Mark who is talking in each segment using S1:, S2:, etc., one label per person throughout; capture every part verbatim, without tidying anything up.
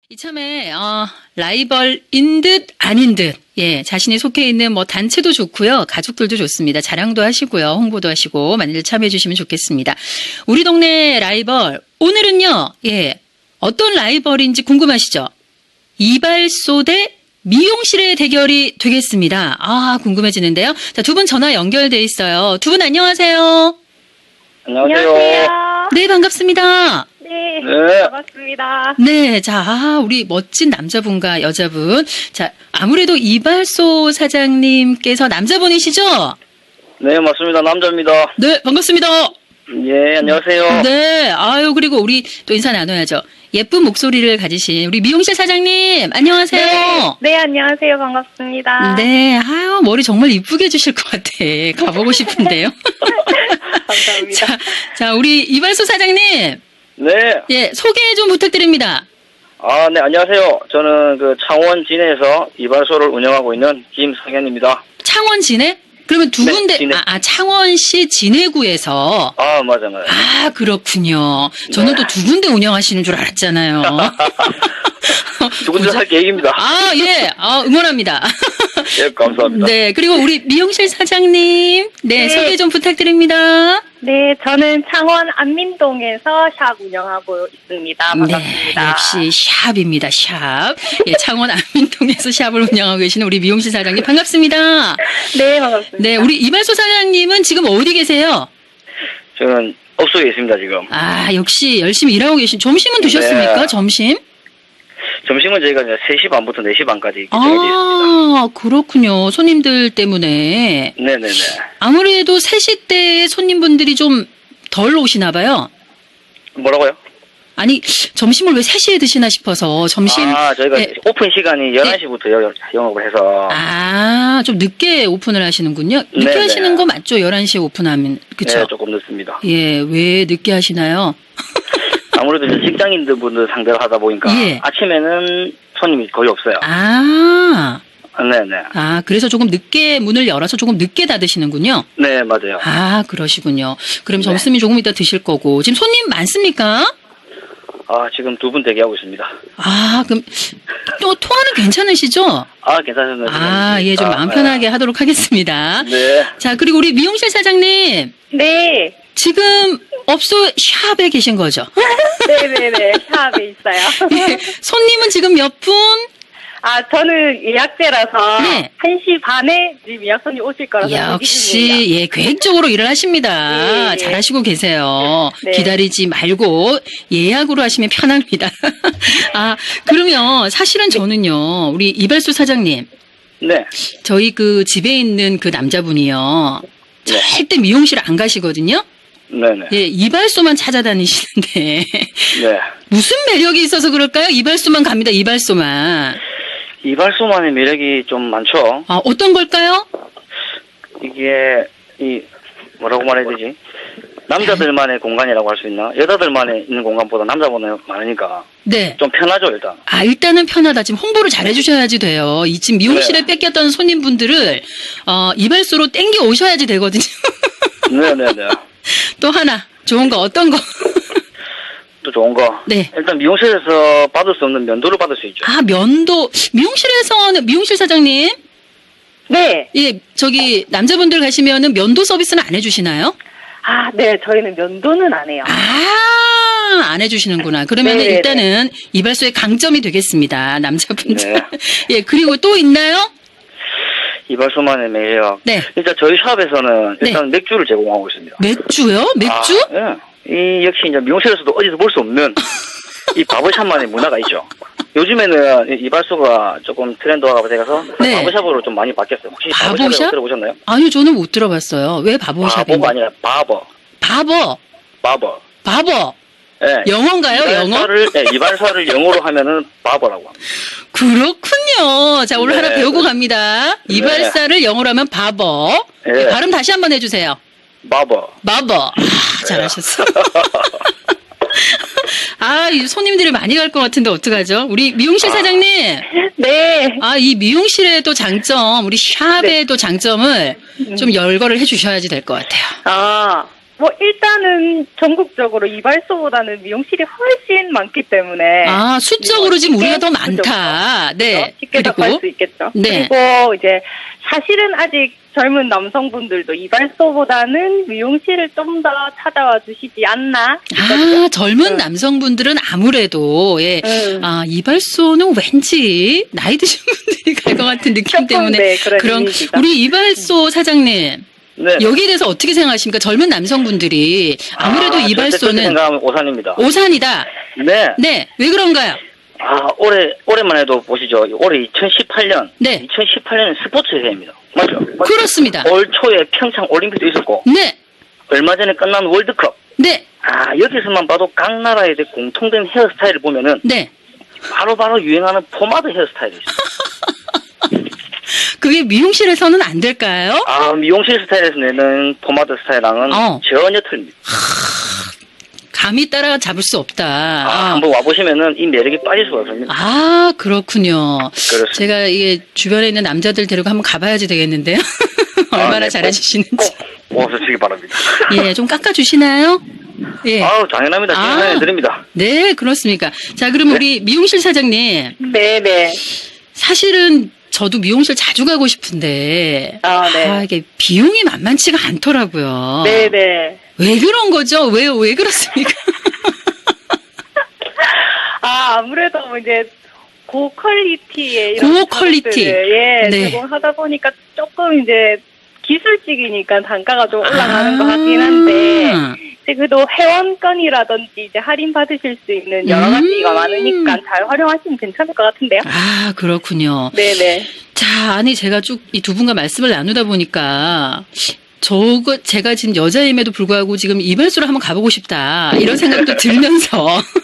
S1: 이참에 어, 라이벌인 듯 아닌 듯 예, 자신이 속해 있는 뭐 단체도 좋고요. 가족들도 좋습니다. 자랑도 하시고요. 홍보도 하시고 많이들 참여해 주시면 좋겠습니다. 우리 동네 라이벌 오늘은요. 예. 어떤 라이벌인지 궁금하시죠? 이발소 대 미용실의 대결이 되겠습니다. 아, 궁금해지는데요. 자, 두 분 전화 연결돼 있어요. 두 분 안녕하세요.
S2: 안녕하세요.
S1: 네, 반갑습니다.
S2: 네,
S3: 네.
S2: 반갑습니다.
S1: 네, 자, 아, 우리 멋진 남자분과 여자분. 자, 아무래도 이발소 사장님께서 남자분이시죠?
S3: 네, 맞습니다. 남자입니다.
S1: 네, 반갑습니다.
S3: 예, 안녕하세요.
S1: 네, 아유, 그리고 우리 또 인사 나눠야죠. 예쁜 목소리를 가지신 우리 미용실 사장님, 안녕하세요.
S2: 네, 네, 안녕하세요. 반갑습니다.
S1: 네, 아유, 머리 정말 이쁘게 해주실 것 같아. 가보고 싶은데요.
S2: 감사합니다.
S1: 자, 자, 우리 이발소 사장님,
S3: 네.
S1: 예, 소개 좀 부탁드립니다.
S3: 아, 네, 안녕하세요. 저는 그 창원 진해에서 이발소를 운영하고 있는 김성현입니다.
S1: 창원 진해? 그러면 두
S3: 네,
S1: 군데,
S3: 진해.
S1: 아, 아, 창원시 진해구에서.
S3: 아, 맞아, 맞아.
S1: 아, 그렇군요. 저는
S3: 네.
S1: 또 두 군데 운영하시는 줄 알았잖아요.
S3: 두 군데 할 계획입니다.
S1: 아, 예. 아, 응원합니다.
S3: 예, 감사합니다.
S1: 네. 그리고 우리 미용실 사장님. 네,
S2: 네.
S1: 소개 좀 부탁드립니다.
S2: 네, 저는 창원 안민동에서 샵 운영하고 있습니다. 반갑습니다.
S1: 네. 역시 샵입니다. 샵. 예, 창원 안민동에서 샵을 운영하고 계시는 우리 미용실 사장님 반갑습니다.
S2: 네, 반갑습니다.
S1: 네, 우리 이발소 사장님은 지금 어디 계세요?
S3: 저는 업소에 있습니다, 지금.
S1: 아, 역시 열심히 일하고 계신. 점심은 드셨습니까?
S3: 네.
S1: 점심?
S3: 점심은 저희가 이제 세 시 반부터 네 시 반까지 정해져 있습니다.
S1: 아, 그렇군요. 손님들 때문에.
S3: 네네네.
S1: 아무래도 세 시 때 손님분들이 좀 덜 오시나 봐요.
S3: 뭐라고요?
S1: 아니, 점심을 왜 세 시에 드시나 싶어서 점심.
S3: 아, 저희가
S1: 예.
S3: 오픈 시간이 열한 시부터 영업을 해서.
S1: 아, 좀 늦게 오픈을 하시는군요. 늦게
S3: 네네.
S1: 하시는 거 맞죠? 열한 시에 오픈하면. 그쵸?
S3: 네, 조금 늦습니다.
S1: 예, 왜 늦게 하시나요?
S3: 아무래도 이제 직장인들 분들 상대로 하다 보니까
S1: 예.
S3: 아침에는 손님이 거의 없어요.
S1: 아,
S3: 네네.
S1: 아, 그래서 조금 늦게 문을 열어서 조금 늦게 닫으시는군요.
S3: 네, 맞아요.
S1: 아, 그러시군요. 그럼
S3: 네.
S1: 점심이 조금 이따 드실 거고. 지금 손님 많습니까?
S3: 아, 지금 두 분 대기하고 있습니다.
S1: 아, 그럼 또 통화는 괜찮으시죠?
S3: 아, 괜찮습니다.
S1: 아, 예, 좀 마음 편하게 하도록 하겠습니다.
S3: 네.
S1: 자, 그리고 우리 미용실 사장님,
S2: 네,
S1: 지금 업소 샵에 계신 거죠?
S2: 네네네. 샵에 있어요.
S1: 예, 손님은 지금 몇 분?
S2: 아, 저는 예약제라서
S1: 네.
S2: 한 시 반에 지금 예약 손님 오실 거라서 대기 중입니다.
S1: 역시, 예, 계획적으로 일을 하십니다.
S2: 네.
S1: 잘하시고 계세요.
S2: 네.
S1: 기다리지 말고 예약으로 하시면 편합니다. 아, 그러면 사실은 저는요, 우리 이발소 사장님,
S3: 네.
S1: 저희 그 집에 있는 그 남자분이요,
S3: 네.
S1: 절대 미용실 안 가시거든요?
S3: 네네.
S1: 예, 이발소만 찾아다니시는데,
S3: 네.
S1: 무슨 매력이 있어서 그럴까요? 이발소만 갑니다, 이발소만.
S3: 이발소만의 매력이 좀 많죠.
S1: 아, 어떤 걸까요?
S3: 이게, 이, 뭐라고 말해야 되지? 남자들만의 공간이라고 할 수 있나? 여자들만의 있는 공간보다 남자보다 많으니까
S1: 네.
S3: 좀 편하죠, 일단.
S1: 아, 일단은 편하다. 지금 홍보를 잘 해주셔야지 돼요. 이 지금 미용실에
S3: 네.
S1: 뺏겼던 손님분들을, 어, 이발소로 땡겨 오셔야지 되거든요.
S3: 네네네.
S1: 또 하나, 좋은 거, 어떤 거?
S3: 또 좋은 거.
S1: 네.
S3: 일단 미용실에서 받을 수 없는 면도를 받을 수 있죠.
S1: 아, 면도, 미용실에서는, 미용실 사장님?
S2: 네.
S1: 예, 저기, 남자분들 가시면은 면도 서비스는 안 해주시나요?
S2: 아, 네. 저희는 면도는 안 해요.
S1: 아, 안 해주시는구나. 그러면
S2: 네네네.
S1: 일단은 이발소의 강점이 되겠습니다. 남자분들.
S3: 네.
S1: 예, 그리고 또 있나요?
S3: 이발소만의 매력.
S1: 네.
S3: 일단 저희 샵에서는 일단 맥주를 제공하고 있습니다.
S1: 맥주요? 맥주?
S3: 아, 예. 이 역시 이제 미용실에서도 어디서 볼 수 없는 이 바버샵만의 문화가 있죠. 요즘에는 이 이발소가 조금 트렌드화가 돼서
S1: 네.
S3: 바버샵으로 좀 많이 바뀌었어요. 혹시
S1: 바버샵?
S3: 바버샵이라고 들어보셨나요?
S1: 아니요, 저는 못 들어봤어요. 왜 바보샵인데?
S3: 바버가 아니라 바버.
S1: 바버.
S3: 바버.
S1: 바버.
S3: 예.
S1: 영어인가요? 영어?
S3: 이발사를, 예, 이발사를 영어로 하면은 바버라고 합니다.
S1: 그렇군요. 자, 오늘
S3: 네.
S1: 하나 배우고 갑니다.
S3: 네.
S1: 이발사를 영어로 하면 바버.
S3: 네.
S1: 예, 발음 다시 한번 해주세요.
S3: 바버.
S1: 바버. 아, 잘하셨어. 아, 이 손님들이 많이 갈 것 같은데 어떡하죠? 우리 미용실
S3: 아.
S1: 사장님.
S2: 네.
S1: 아, 이 미용실의 또 장점, 우리 샵의
S2: 네.
S1: 또 장점을 좀 열거를 해주셔야지 될 것 같아요.
S2: 아, 뭐 일단은 전국적으로 이발소보다는 미용실이 훨씬 많기 때문에
S1: 아, 수적으로 지금 우리가 더
S2: 쉽게
S1: 많다. 네.
S2: 쉽게 접할
S1: 그리고
S2: 수 있겠죠.
S1: 네.
S2: 그리고 이제 사실은 아직 젊은 남성분들도 이발소보다는 미용실을 좀 더 찾아와 주시지 않나?
S1: 아, 젊은
S2: 응.
S1: 남성분들은 아무래도 예.
S2: 응.
S1: 아, 이발소는 왠지 나이 드신 분들이 갈 것 같은 느낌
S2: 조금,
S1: 때문에
S2: 네, 그런
S1: 그런
S2: 이미지가.
S1: 우리 이발소 사장님
S3: 네.
S1: 여기에 대해서 어떻게 생각하십니까? 젊은 남성분들이 아무래도
S3: 아, 절대 그렇게
S1: 이발소는
S3: 생각하면 오산입니다.
S1: 오산이다.
S3: 네.
S1: 네, 왜 그런가요?
S3: 아, 올해, 올해만 해도 보시죠. 올해 이천십팔 년.
S1: 네.
S3: 이천십팔 년은 스포츠의 해입니다. 맞죠?
S1: 그렇습니다.
S3: 올 초에 평창 올림픽도 있었고,
S1: 네,
S3: 얼마 전에 끝난 월드컵.
S1: 네,
S3: 아, 여기서만 봐도 각 나라의 공통된 헤어스타일을 보면은,
S1: 네.
S3: 바로바로 유행하는 포마드 헤어스타일이 있어요.
S1: 그게 미용실에서는 안 될까요?
S3: 아, 미용실 스타일에서 내는 포마드 스타일랑은
S1: 어.
S3: 전혀 틀립니다.
S1: 감히 따라 잡을 수 없다.
S3: 아,
S1: 아,
S3: 한번 와보시면은 이 매력이 빠질 수가 없습니다.
S1: 아, 그렇군요.
S3: 그렇습니다.
S1: 제가 이게 주변에 있는 남자들 데리고 한번 가봐야지 되겠는데요. 얼마나
S3: 아, 네,
S1: 잘해주시는지.
S3: 꼭 와주시기 바랍니다.
S1: 예, 좀 깎아주시나요? 예.
S3: 아우, 당연합니다.
S1: 아.
S3: 진행해드립니다.
S1: 네, 그렇습니까. 자, 그럼
S3: 네.
S1: 우리 미용실 사장님.
S2: 네네.
S1: 사실은 저도 미용실 자주 가고 싶은데.
S2: 아, 네.
S1: 아, 이게 비용이 만만치가 않더라고요.
S2: 네네.
S1: 왜 그런 거죠? 왜, 왜 그렇습니까?
S2: 아, 아무래도 뭐 이제 고퀄리티의 이런
S1: 고퀄리티.
S2: produk트를, 예,
S1: 네.
S2: 제공하다 보니까 조금 이제 기술직이니까 단가가 좀 올라가는
S1: 아.
S2: 것 같긴 한데, 이제 그래도 회원권이라든지 이제 할인 받으실 수 있는 여러 가지가
S1: 음.
S2: 많으니까 잘 활용하시면 괜찮을 것 같은데요.
S1: 아, 그렇군요.
S2: 네네.
S1: 자, 아니, 제가 쭉 이 두 분과 말씀을 나누다 보니까, 저거, 제가 지금 여자임에도 불구하고 지금 이발소를 한번 가보고 싶다. 이런 생각도 들면서.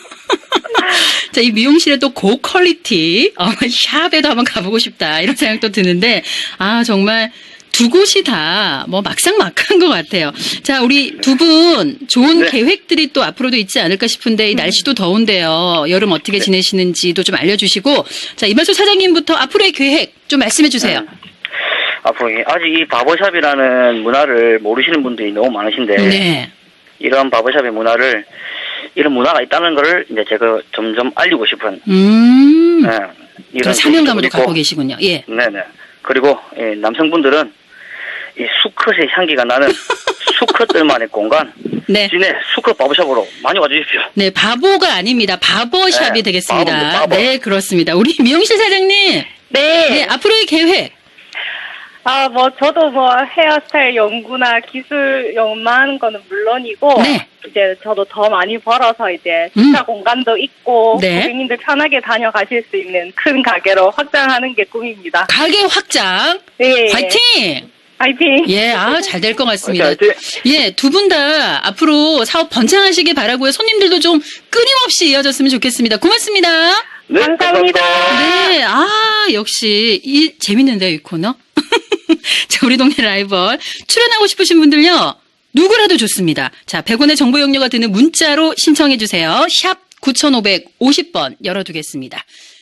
S1: 자, 이 미용실에 또 고퀄리티, 어, 샵에도 한번 가보고 싶다. 이런 생각도 드는데, 아, 정말 두 곳이 다 뭐 막상막한 것 같아요. 자, 우리 두 분 좋은
S3: 네.
S1: 계획들이 또 앞으로도 있지 않을까 싶은데, 이 날씨도 더운데요. 여름 어떻게 지내시는지도 좀 알려주시고, 자, 이발소 사장님부터 앞으로의 계획 좀 말씀해 주세요.
S3: 네. 앞으로 이- 아직 이 바버샵이라는 문화를 모르시는 분들이 너무 많으신데,
S1: 네.
S3: 이런 바버샵의 문화를, 이런 문화가 있다는 걸 이제 제가 점점 알리고 싶은,
S1: 음.
S3: 네,
S1: 그런 사명감으로 갖고 계시군요. 예.
S3: 네네. 그리고 예, 남성분들은 이 수컷의 향기가 나는 수컷들만의 공간,
S1: 네.
S3: 진해 수컷 바버샵으로 많이 와주십시오.
S1: 네, 바보가 아닙니다. 바버샵이
S3: 네,
S1: 되겠습니다.
S3: 바보입니다, 바보.
S1: 네, 그렇습니다. 우리 미용실 사장님.
S2: 네.
S1: 네, 앞으로의 계획.
S2: 아, 뭐, 저도 뭐, 헤어스타일 연구나 기술 연구하는 거는 물론이고,
S1: 네.
S2: 이제 저도 더 많이 벌어서 이제
S1: 음.
S2: 식사 공간도 있고,
S1: 네.
S2: 고객님들 편하게 다녀가실 수 있는 큰 가게로 확장하는 게 꿈입니다.
S1: 가게 확장.
S2: 네.
S1: 화이팅!
S2: 화이팅!
S1: 예, 아, 잘 될 것 같습니다.
S3: 화이팅!
S1: 예, 두 분 다 앞으로 사업 번창하시길 바라고요. 손님들도 좀 끊임없이 이어졌으면 좋겠습니다. 고맙습니다.
S3: 네,
S2: 감사합니다.
S1: 네, 아, 역시, 이, 재밌는데요, 이 코너? 자, 우리 동네 라이벌. 출연하고 싶으신 분들요, 누구라도 좋습니다. 자, 백 원의 정보 용료가 드는 문자로 신청해주세요. 샵 구오오공 번 열어두겠습니다.